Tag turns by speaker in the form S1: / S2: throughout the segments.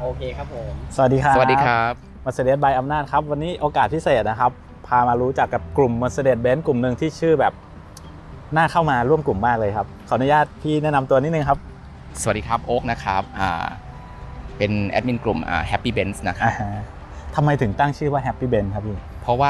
S1: โอเคครับผม
S2: สวัสดีครับ
S3: สวัสดีครับ
S2: Mercedes by อำนาจครับวันนี้โอกาสพิเศษนะครับพามารู้จักกับกลุ่ม Mercedes-Benz กลุ่มหนึ่งที่ชื่อแบบน่าเข้ามาร่วมกลุ่มมากเลยครับขออนุญาตพี่แนะนำตัวนิดนึงครับ
S3: สวัสดีครับโอ๊คนะครับเป็นแอดมินกลุ่มHappy Benz นะครับ
S2: ทำไมถึงตั้งชื่อว่า Happy Benz ครับพี่
S3: เพราะว่า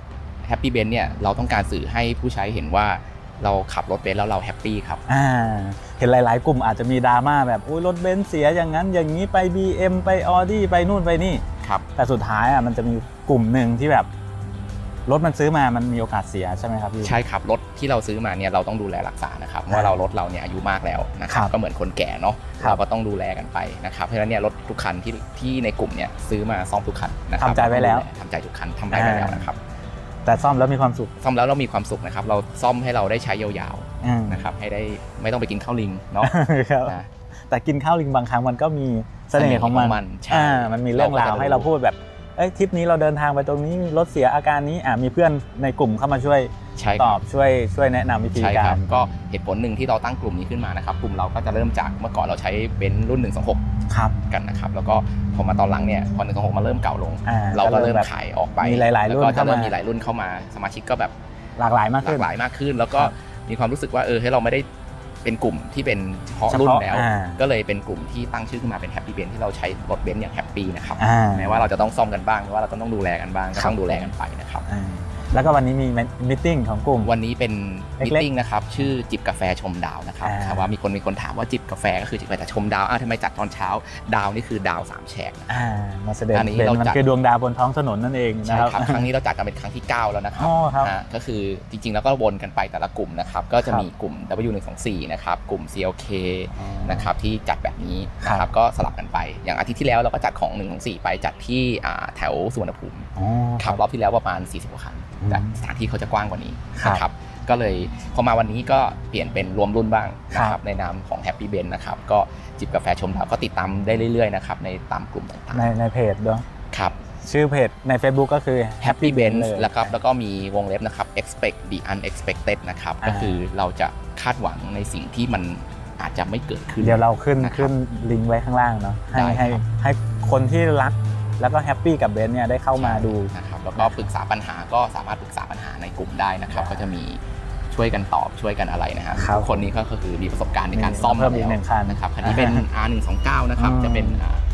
S3: Happy Benz เนี่ยเราต้องการสื่อให้ผู้ใช้เห็นว่าเราขับรถเบนซ์แล้วเราแฮปปี้ครับ
S2: เห็นหลายๆกลุ่มอาจจะมีดราม่าแบบอุ้ยรถเบนซ์เสียอย่างนั้นอย่างนี้ไป BM ไป Audi ไปนู่นไปนี่
S3: ครับ
S2: แต่สุดท้ายมันจะมีกลุ่มหนึ่งที่แบบรถมันซื้อมามันมีโอกาสเสียใช่ไหมครับพี่
S3: ใช่ครับรถที่เราซื้อมาเนี่ยเราต้องดูแลรักษานะครับเพราะเรารถเราเนี่ยอายุมากแล้วนะครับก็เหมือนคนแก่เนาะเราก็ต้องดูแลกันไปนะครับเพราะฉะนั้นเนี่ยรถทุกคันที่ในกลุ่มเนี่ยซื้อมาซ่อมทุกคันนะครับ
S2: ทำใจไว้แล้ว
S3: ทำใจทุกคันทำใจไว้แล้วนะครับ
S2: แต่ซ่อมแล้วมีความสุข
S3: ซ่อมแล้วเรามีความสุขนะครับเราซ่อมให้เราได้ใช้ยาวๆนะครับให้ได้ไม่ต้องไปกินข้าวลิงเนาะ
S2: แต่กินข้าวลิงบางครั้งมันก็มีเสน่ห์ของมันมันมีเรื่องราวให้เราพูดแบบทริปนี้เราเดินทางไปตรงนี้รถเสียอาการนี้มีเพื่อนในกลุ่มเข้ามาช่วยตอบช่วยแนะนำวิธีการ
S3: ก็เหตุผลหนึ่งที่เราตั้งกลุ่มนี้ขึ้นมานะครับกลุ่มเราก็จะเริ่มจากเมื่อก่อนเราใช้เบนซ์รุ่น126กันนะครับแล้วก็พอมาตอนหลังเนี่ยพอ126มาเริ่มเก่าลงเราก็เริ่มขายออกไป
S2: มีหลายๆรุ่น
S3: ก็จะเริ่มมีหลายรุ่นเข้ามาสมาชิกก็แบบ
S2: หลากหลายมาก
S3: ขึ้นแล้วก็มีความรู้สึกว่าให้เราไม่ได้เป็นกลุ่มที่เป็นเฉพาะรุ่นแล้วก็เลยเป็นกลุ่มที่ตั้งชื่อขึ้นมาเป็น Happy Benz ที่เราใช้รถเบนซ์อย่างแฮปปี้นะครับแม้ว่าเราจะต้องซ่อมกันบ้างแม้ว่าเราต้องดูแลกันบ้างก็ต้องดูแลกันไปนะครับ
S2: แล้วก็วันนี้มีมีตติ้งของกลุ่ม
S3: วันนี้เป็นมีตติ้งนะครับชื่อจิบกาแฟชมดาวนะครับว่ามีคนถามว่าจิบกาแฟก็คือจิบกาแฟแต่ชมดาวทำไมจัดตอนเช้าดาวนี่คือดาว3แฉก
S2: มาแสดงมันคือดวงดาวบนท้องถนนนั่นเอง
S3: นะครับครั้งนี้เราจัดกันเป็นครั้งที่9แล้วนะครับก็คือจริงๆแล้วก็วนกันไปแต่ละกลุ่มนะครับก็จะมีกลุ่ม W124 นะครับกลุ่ม CLK นะครับที่จัดแบบนี้นะครับก็สลับกันไปอย่างอาทิตย์ที่แล้วเราก็จัดของ124ไปจัดที่แถวสุวรรณภูมิครับรอบที่แล้วประมาณ40กว่าคันแต่สถานที่เขาจะกว้างกว่านี้นะครับก็เลยพอมาวันนี้ก็เปลี่ยนเป็นรวมรุ่นบ้างนะครับในนามของ Happy Benz นะครับก็จิบกาแฟชมดาวก็ติดตามได้เรื่อยๆนะครับในตามกลุ่มต่าง
S2: ๆในเพจด้วย
S3: ครับ
S2: ชื่อเพจใน Facebook ก็คือ
S3: Happy Benz แล้วก็มีวงเล็บนะครับ expect the unexpected นะครับก็คือเราจะคาดหวังในสิ่งที่มันอาจจะไม่เกิดขึ้น
S2: เดี๋ยวเราขึ้นลิงก์ไว้ข้างล่างเนาะให้คนที่รักแล้วก็แฮปปี้กับเบนซ์เนี่ยได้เข้ามาดู
S3: นะครับแล้วก็ปรึกษาปัญหาก็สามารถปรึกษาปัญหาในกลุ่มได้นะครับก็จะมีช่วยกันตอบช่วยกันอะไรนะครับทุกคนนี้ก็คือมีประสบการณ์ในการซ่อม
S2: แล้ว
S3: นะครับคันนี้เป็น R129 นะครับจะเป็น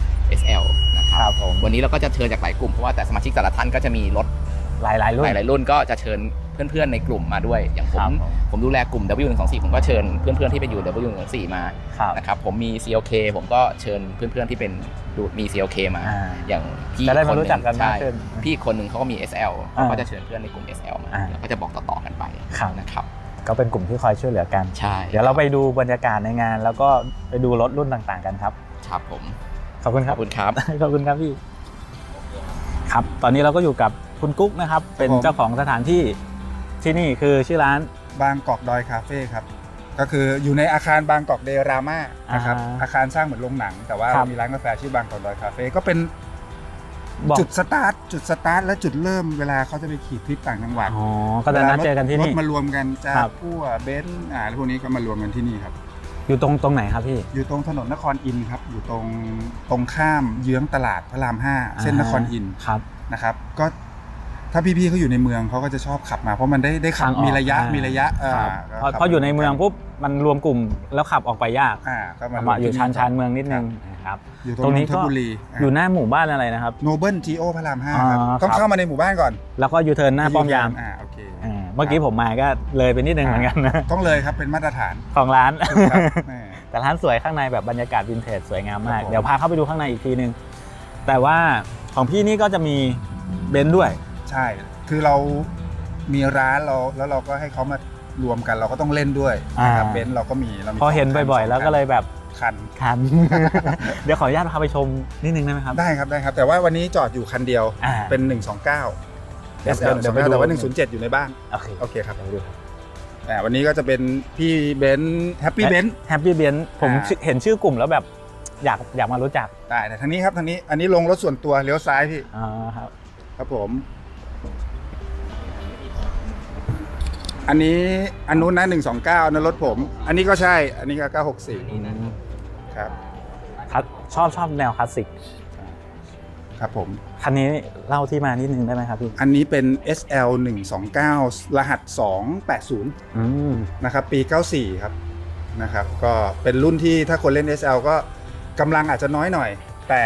S3: SL นะครับวันนี้เราก็จะเชิญจากหลายกลุ่มเพราะว่าแต่สมาชิกแต่ละท่านก็จะมีรถ
S2: หลายรุ่น
S3: ก็จะเชิญเพื่อนๆในกลุ่มมาด้วยอย่างผมดูแลกลุ่ม W124 ผมก็เชิญเพื่อนๆที่ไปอยู่ W124 มานะครับผมมี CLK ผมก็เชิญเพื่อนๆที่เป็นมี CLK มาอย่างพี่
S2: คนนึง
S3: พี่คนนึงเขาก็มี SL ก็จะเชิญเพื่อนในกลุ่ม SL มาแล้วก็จะบอกต่อๆกันไปนะครับ
S2: ก็เป็นกลุ่มที่คอยช่วยเหลือกัน
S3: ใช่
S2: เดี๋ยวเราไปดูบรรยากาศในงานแล้วก็ไปดูรถรุ่นต่างๆกันครับ
S3: ครับผม
S2: ขอบคุณครับ
S3: ขอบคุณครับ
S2: ขอบคุณครับพี่ครับตอนนี้เราก็อยู่กับคุณกุ๊กนะครับเป็นเจ้าของสถานที่ที่นี่คือชื่อร้าน
S4: บางกอกดอยคาเฟ่ครับก็คืออยู่ในอาคารบางกอกเดราม่านะครับอาคารสร้างเหมือนโรงหนังแต่ว่ามีร้านกาแฟชื่อบางกอกดอยคาเฟ่ก็เป็นจุดสตาร์ทและจุดเริ่มเวลาเขาจะไปขี่ทริปต่างจังหวัด
S2: ก็จะนัดเจอกันที่นี่
S4: รถมารวมกันจะพั่วเบนซ์พวกนี้ก็มารวมกันที่นี่ครับ
S2: อยู่ตรงไหนครับพี่
S4: อยู่ตรงถนนนครอินทร์ครับอยู่ตรงข้ามเยื้องตลาดพระราม5เส้นนครอินทร์นะครับก็ถ้าพี่ๆเขาอยู่ในเมืองเขาก็จะชอบขับมาเพราะมันได้ขับมีระยะ
S2: เพราะอยู่ในเมืองปุ๊บมันรวมกลุ่มแล้วขับออกไปยาก
S4: ก็
S2: มาอยู่ชานเมืองนิดนึง
S4: ครับตรงนี้ก็
S2: อยู่หน้าหมู่บ้านอะไรนะครับ
S4: โนเบิลทีโอพระราม5ครับต้องเข้ามาในหมู่บ้านก่อน
S2: แล้วก็ยูเทิร์นหน้าป้อมยาม
S4: โอเค
S2: เมื่อกี้ผมมาก็เลยไปนิดนึงเหมือนกันนะ
S4: ต้องเลยครับเป็นมาตรฐาน
S2: ของร้านแต่ร้านสวยข้างในแบบบรรยากาศวินเทจสวยงามมากเดี๋ยวพาเข้าไปดูข้างในอีกทีนึงแต่ว่าของพี่นี่ก็จะมีเบนซ์ด้วย
S4: ใช่คือเรามีร้านแล้วเราก็ให้เขามารวมกันเราก็ต้องเล่นด้วยนะครับเบนซ์เราก็มี
S2: พอเห็นบ่อยๆแล้วก็เลยแบบ
S4: คัน
S2: เดี๋ยวขออนุญาตพาไปชมนิดนึงได้ไหมครับ
S4: ได้ครับแต่ว่าวันนี้จอดอยู่คันเดียวเป็น129 SL แต่ว่า107อยู่ในบ้านโอเคครับวันนี้ก็จะเป็นพี่เบนซ์แฮปปี้เบ
S2: นซ์ผมเห็นชื่อกลุ่มแล้วแบบอยากมารู้จัก
S4: ได้แต่ทางนี้ครับทางนี้อันนี้ลงรถส่วนตัวเลี้ยวซ้ายพี่ครับผมอันนี้อันนู้นนะ129นะรถผมอันนี้ก็ใช่อันนี้ก็964ครับ
S2: ชอบแนวคลาสสิก
S4: ครับผม
S2: คันนี้เล่าที่มานิดนึงได้ไหมครับพี่
S4: อันนี้เป็น SL 129รหัส280นะครับปี94ครับนะครับก็เป็นรุ่นที่ถ้าคนเล่น SL ก็กำลังอาจจะน้อยหน่อยแต่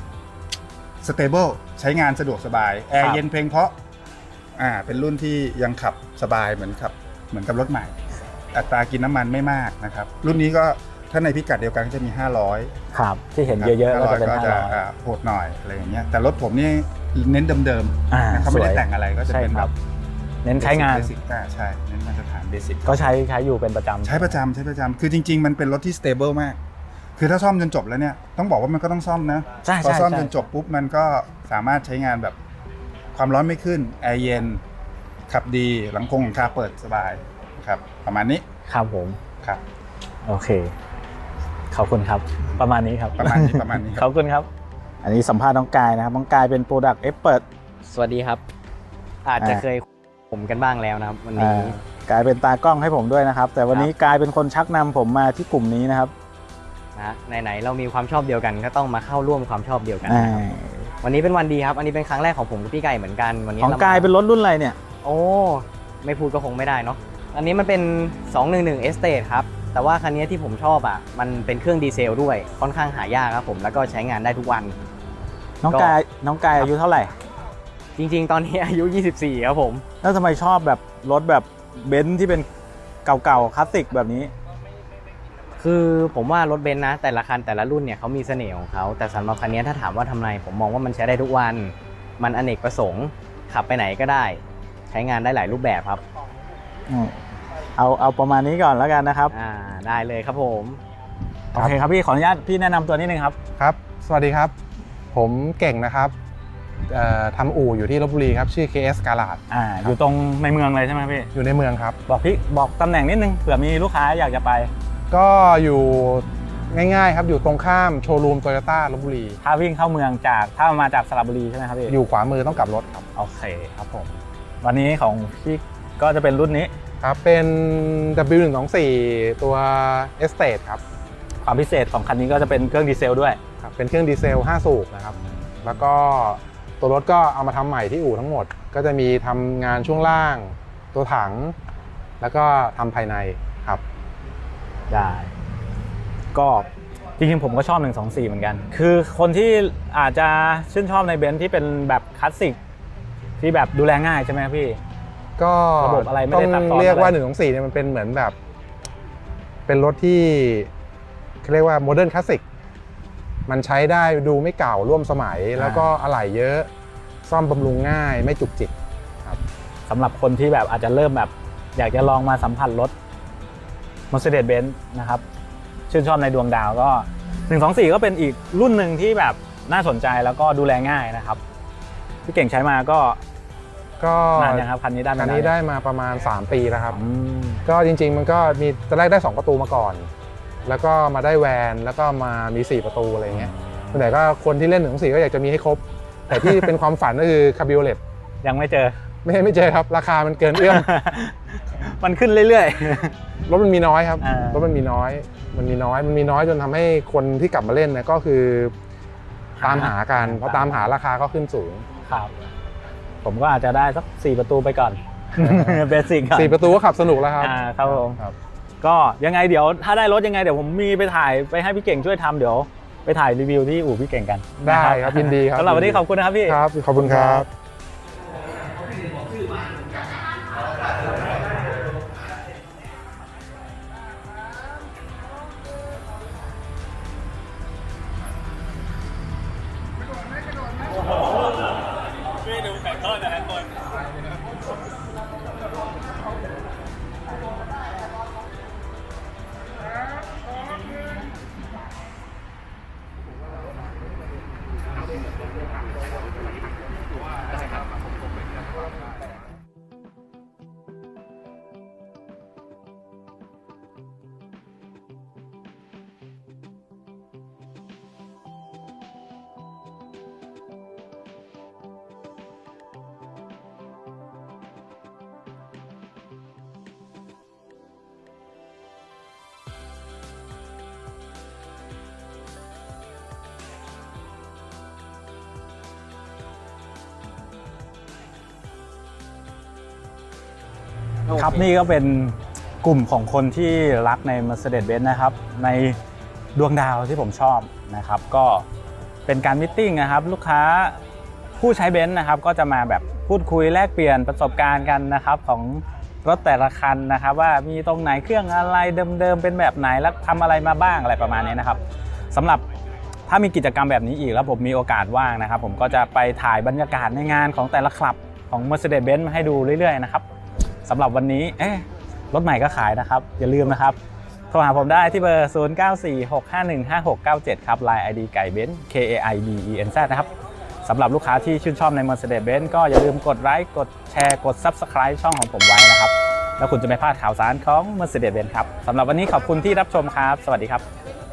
S4: stable ใช้งานสะดวกสบายแอร์เย็นเพลงเพราะเป็นรุ่นที่ยังขับสบายเหมือนกับรถใหม่อัตรากินน้ำมันไม่มากนะครับรุ่นนี้ก็ถ้าในพิกัดเดียวกันก็จะมี500
S2: ครับที่เห็นเยอะๆก็จะเป็น
S4: 500โหดหน่อยอะไรอย่างเงี้ยแต่รถผมนี่เน้นเดิมๆเขาไม่ได้แต่งอะไรก็จะเป็นแบบ
S2: เน้นใช้งาน
S4: เบสิกใช่เน้นมาตรฐานเบสิก
S2: ก็ใช้อยู่เป็นประจำ
S4: ใช้ประจำคือจริงๆมันเป็นรถที่ stable มากคือถ้าซ่อมจนจบแล้วเนี่ยต้องบอกว่ามันก็ต้องซ่อมนะพอซ่อมจนจบปุ๊บมันก็สามารถใช้งานแบบความร้อนไม่ขึ้นแอร์เย็นขับดีหลังคาเปิดสบายครับประมาณนี้
S2: ครับผม
S4: ครับ
S2: โอเคขอบคุณครับประมาณนี้ครับ
S4: ประมาณนี้
S2: ขอบคุณครับอันนี้สัมภาษณ์น้องกายนะครับน้องกายเป็น Product Expert
S1: สวัสดีครับอาจจะเคยผมกันบ้างแล้วนะครับวันนี้
S2: กายเป็นตากล้องให้ผมด้วยนะครับแต่วันนี้กายเป็นคนชักนำผมมาที่กลุ่มนี้นะครับ
S1: นะไหนเรามีความชอบเดียวกันก็ต้องมาเข้าร่วมความชอบเดียวกันนะครับวันนี้เป็นวันดีครับอันนี้เป็นครั้งแรกของผมกับพี่ไก่เหมือนกันวันนี้
S2: ของกายเป็นรถรุ่นอะไรเนี่ย
S1: โอ้ไม่พูดก็คงไม่ได้เนาะอันนี้มันเป็น211 Estate ครับแต่ว่าคันนี้ที่ผมชอบมันเป็นเครื่องดีเซลด้วยค่อนข้างหายากครับผมแล้วก็ใช้งานได้ทุกวัน
S2: น้องกายอายุเท่าไหร่
S1: จริงๆตอนนี้อายุ24ครับผม
S2: แล้วทำไมชอบแบบรถแบบเบนซ์ที่เป็นเก่าๆคลาสสิกแบบนี้
S1: คือผมว่ารถเบนซ์นะแต่ละคันแต่ละรุ่นเนี่ยเขามีเสน่ห์ของเขาแต่สำหรับคันนี้ถ้าถามว่าทำไมผมมองว่ามันใช้ได้ทุกวันมันอเนกประสงค์ขับไปไหนก็ได้ใช้งานได้หลายรูปแบบครับ
S2: เอาประมาณนี้ก่อนแล้วกันนะครับ
S1: ได้เลยครับผม
S2: โอเคครับพี่ขออนุญาตพี่แนะนำตัวนิดนึงครับ
S5: ครับสวัสดีครับผมเก่งนะครับทำอู่อยู่ที่ลพบุรีครับชื่อ KS Garage
S2: อยู่ตรงในเมืองเลยใช่ไหมพี่
S5: อยู่ในเมืองครับ
S2: บอกตำแหน่งนิดนึงเผื่อมีลูกค้าอยากจะไป
S5: ก็อยู่ง่ายๆครับอยู่ตรงข้ามโชว์รูมโตโยต้าลพบุรี
S2: ถ้าวิ่งเข้าเมืองถ้ามาจากสระบุรีใช่ไหมครับพี่
S5: อยู่ขวามือต้องกลับรถครับ
S2: โอเคครับผมวันนี้ของพี่ก็จะเป็นรุ่นนี้
S5: ครับเป็น W124 ตัว Estate ครับ
S2: ความพิเศษของคันนี้ก็จะเป็นเครื่องดีเซลด้วย
S5: ครับเป็นเครื่องดีเซล5สูบนะครับแล้วก็ตัวรถก็เอามาทำใหม่ที่อู่ทั้งหมดก็จะมีทำงานช่วงล่างตัวถังแล้วก็ทำภายในครับ
S2: ได้ก็จริงๆผมก็ชอบ124เหมือนกันคือคนที่อาจจะชื่นชอบในเบนซ์ที่เป็นแบบคลาสสิกที่แบบดูแลง่ายใช่ไหมพี่
S5: ก็
S2: ระบบอะไรไม่ได้ซับซ้อน
S5: เรียกว่า124เนี่ยมันเป็นเหมือนแบบเป็นรถที่เขาเรียกว่าโมเดิร์นคลาสสิกมันใช้ได้ดูไม่เก่าร่วมสมัยแล้วก็อะไหล่เยอะซ่อมบำรุงง่ายไม่จุกจิกครับ
S2: สำหรับคนที่แบบอาจจะเริ่มแบบอยากจะลองมาสัมผัสรถ Mercedes-Benz นะครับชื่นชอบในดวงดาวก็124ก็เป็นอีกรุ่นหนึ่งที่แบบน่าสนใจแล้วก็ดูแลง่ายนะครับพี่เก่งใช้มาก็นานยังครับคันนี้
S5: ได้มาประมาณ3ปีแล้วครับก็จริงๆมันก็มีตอนแรกได้2ประตูมาก่อนแล้วก็มาได้แวนแล้วก็มามี4ประตูอะไรเงี้ยแต่ก็คนที่เล่น124ก็อยากจะมีให้ครบแต่ที่เป็นความฝันก็คือคาบิโอเลต
S2: ยังไม่เจอ
S5: ไม่เจอครับราคามันเกินเอื้อม
S2: มันขึ้นเรื่อยๆ
S5: รถมันมีน้อยครับรถมันมีน้อยจนทำให้คนที่กลับมาเล่นนะก็คือตามหากันเพราะตามหาราคาก็ขึ้นสูง
S2: ครับผมก็อาจจะได้สัก4ประตูไปก่อนเบสิก
S5: 4ประตูก็ขับสนุกแล้วครับ
S2: ครับผมก็ยังไงเดี๋ยวถ้าได้รถยังไงเดี๋ยวผมมีไปถ่ายไปให้พี่เก่งช่วยทำเดี๋ยวไปถ่ายรีวิวที่อู่พี่เก่งกัน
S5: ได้ครับยินดีครับ
S2: สำหรับวันนี้ขอบคุณนะครับพี่
S5: ครับขอบคุณครับ
S2: ครับนี่ก็เป็นกลุ่มของคนที่รักใน Mercedes-Benz นะครับในดวงดาวที่ผมชอบนะครับก็เป็นการมิทติ้งนะครับลูกค้าผู้ใช้เบนซ์นะครับก็จะมาแบบพูดคุยแลกเปลี่ยนประสบการณ์กันนะครับของรถแต่ละคันนะครับว่ามีตรงไหนเครื่องอะไรเดิมๆเป็นแบบไหนแล้วทำอะไรมาบ้างอะไรประมาณนี้นะครับสำหรับถ้ามีกิจกรรมแบบนี้อีกแล้วผมมีโอกาสว่างนะครับผมก็จะไปถ่ายบรรยากาศในงานของแต่ละคลับของ Mercedes-Benz มาให้ดูเรื่อยๆนะครับสำหรับวันนี้รถใหม่ก็ขายนะครับอย่าลืมนะครับโทรหาผมได้ที่เบอร์ 0946515697 ครับ Line ID ไก่เบนซ์ KAIBENZ นะครับสำหรับลูกค้าที่ชื่นชอบใน Mercedes-Benz ก็อย่าลืมกดไลค์กดแชร์กด Subscribe ช่องของผมไว้นะครับแล้วคุณจะไม่พลาดข่าวสารของ Mercedes-Benz ครับสำหรับวันนี้ขอบคุณที่รับชมครับสวัสดีครับ